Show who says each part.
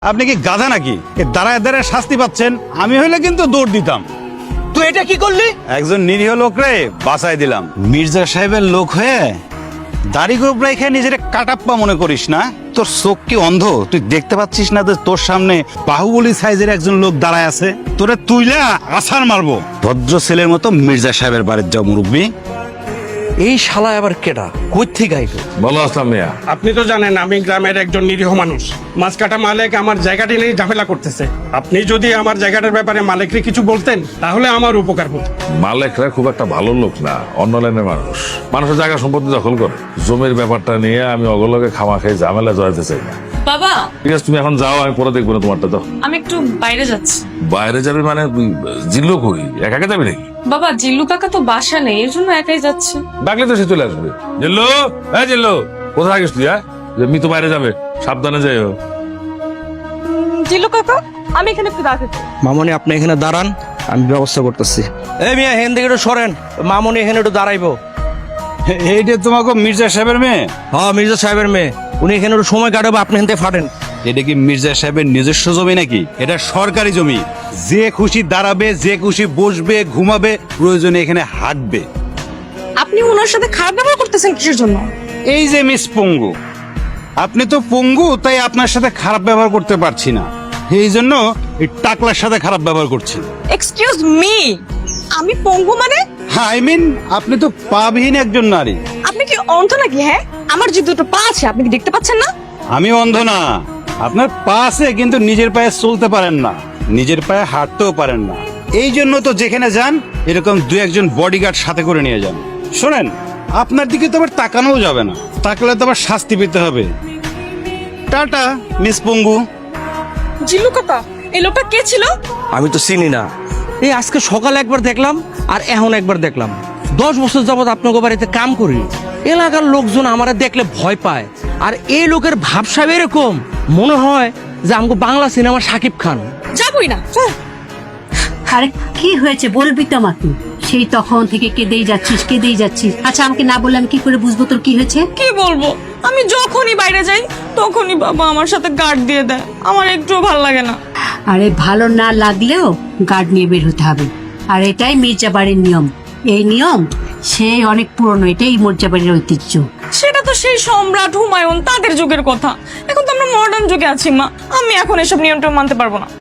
Speaker 1: আপনি কি গাধা নাকি? দাঁড়ায় দাঁড়ায় শাস্তি পাচ্ছেন। আমি হইলে কিন্তু দৌড় দিতাম।
Speaker 2: তুই এটা কি করলি?
Speaker 1: একজন নিরীহ লোকরে বাঁচাই দিলাম। মির্জা সাহেবের লোক হয়ে দাড়ি গোপ রেখে নিজের কাটাপ্পা মনে করিস না? তোর চোখ কি অন্ধ? তুই দেখতে পাচ্ছিস না যে তোর সামনে বাহুবলী সাইজের একজন লোক দাঁড়ায় আছে? তোরে তুইলা আছাড় মারবো। ভদ্র ছেলের মতো মির্জা সাহেবের বাড়ির যাও মুরব্বী।
Speaker 2: এই শালা আবার কেডা? কই থেকে আইলো?
Speaker 3: ভালো আসলাম মিয়া।
Speaker 4: আপনি তো জানেন আমি গ্রামের একজন নিরীহ মানুষ। মাছ কাটা মালিক আমার জায়গাটি নিয়ে ঝামেলা করতেছে। আপনি যদি আমার জায়গাটার ব্যাপারে মালিককে কিছু বলতেন তাহলে আমার উপকার হতো।
Speaker 3: মালিকরা খুব একটা ভালো লোক না, অন্য লাইনের মানুষ। মানুষের জায়গা সম্পত্তি দখল করে। জমির ব্যাপারটা নিয়ে আমি অগলকে খামা খেয়ে ঝামেলা জড়াতে চাই না।
Speaker 5: বাবা,
Speaker 3: ঠিক আছে, তুমি এখন যাও, আমি পরে দেখবো না তোমারটা। তো
Speaker 5: আমি একটু বাইরে যাচ্ছি।
Speaker 3: বাইরে যাবে মানে? জিল্লু কই? একা একা যাবি নাকি?
Speaker 5: বাবা, জিল্লু কাকা তো বাসা নেই, এর জন্য একাই যাচ্ছে।
Speaker 3: ডাকলে তো সে চলে আসবে। জিল্লু, হ্যাঁ জিল্লু, কোথায় গেছিস তুই? হ্যাঁ, মিতু বাইরে যাবে, সাবধানে যাইও।
Speaker 5: জিল্লু কাকা, আমি এখানে একটু দাঁড়াতে।
Speaker 2: মামনি আপনি এখানে দাঁড়ান, আমি ব্যবস্থা করতেছি। এই মিয়া, এখান থেকে একটু সরেন। মামনি এখানে একটু দাঁড়াইবো।
Speaker 1: এইটা তোমাকে মির্জা সাহেবের মেয়ে?
Speaker 2: হ্যাঁ, মির্জা সাহেবের মেয়ে। উনি এখানে একটু সময় কাটাবো, আপনি এখান থেকে ফাটেন।
Speaker 1: এটা কি মির্জা সাহেবের নিজস্ব জমি নাকি? এটা সরকারি জমি। যে খুশি দাঁড়াবে, যে খুশি বসবে, ঘুমাবে, প্রয়োজনে এখানে হাঁটবে।
Speaker 5: আপনি ওনার সাথে খারাপ ব্যবহার করতেছেন কিসের জন্য?
Speaker 1: এই যে মিস পঙ্গু, আপনি তো পঙ্গু, তাই আপনার সাথে খারাপ ব্যবহার করতে পারছি না। এই জন্য এই টাকলার সাথে খারাপ ব্যবহার করছি।
Speaker 5: এক্সকিউজ মি, আমি পঙ্গু মানে?
Speaker 1: আই মিন, আপনি তো পাবিহীন একজন নারী।
Speaker 5: আপনি কি অন্ধ নাকি? হ্যাঁ, আমার যে দুটো পা আছে আপনি কি দেখতে পাচ্ছেন না?
Speaker 1: আমি অন্ধ না। আপনার পা আছে, কিন্তু নিজের পায়ে চলতে পারেন না, নিজের পায়ে হাঁটতেও পারেন না। এই জন্য তো যেখানে যান এরকম দু একজন বডিগার্ড সাথে করে নিয়ে যান। শোনেন, আপনার দিকে তো আবার তাকানোও যাবে না, তাকলে তো আবার শাস্তি পেতে হবে। টাটা মিস পঙ্গু।
Speaker 5: জিল্লু কাকা, এই লোকটা কে ছিল?
Speaker 2: আমি তো চিনি না। এই আজকে সকালে একবার দেখলাম আর এখন একবার দেখলাম। 10 বছর যাবত আপনাকে বাড়িতে কাম করি। এলাকার লোকজন আমারে দেখলে ভয় পায়। আর এই লোকের ভাবসাব এরকম, মনে হয় যে আমাকে বাংলা সিনেমার শাকিব খান।
Speaker 5: যাবই না।
Speaker 6: আরে কি হয়েছে বলবি তো আমাকে? সেই তখন থেকে কেঁদেই যাচ্ছিস। আচ্ছা আমাকে না বললে আমি কি করে বুঝবো তোর কি হয়েছে?
Speaker 5: কি বলবো? আমি যখনই বাইরে যাই তখনই বাবা আমার সাথে গার্ড দিয়ে দেয়। আমার একটুও ভালো লাগে না।
Speaker 6: আরে ভালো না লাগলেও গার্ড নিয়ে বের হতে হবে। আর এটাই মির্জা বাড়ির নিয়ম। এই নিয়ম সেই অনেক পুরনো, এটাই মির্জা বাড়ির ঐতিহ্য।
Speaker 5: সেটা তো সেই সম্রাট হুমায়ুন তাদের যুগের কথা। এখন তো আমরা মডার্ন যুগে আছি মা। আমি এখন এসব নিয়ন্ত্রণ মানতে পারবো না।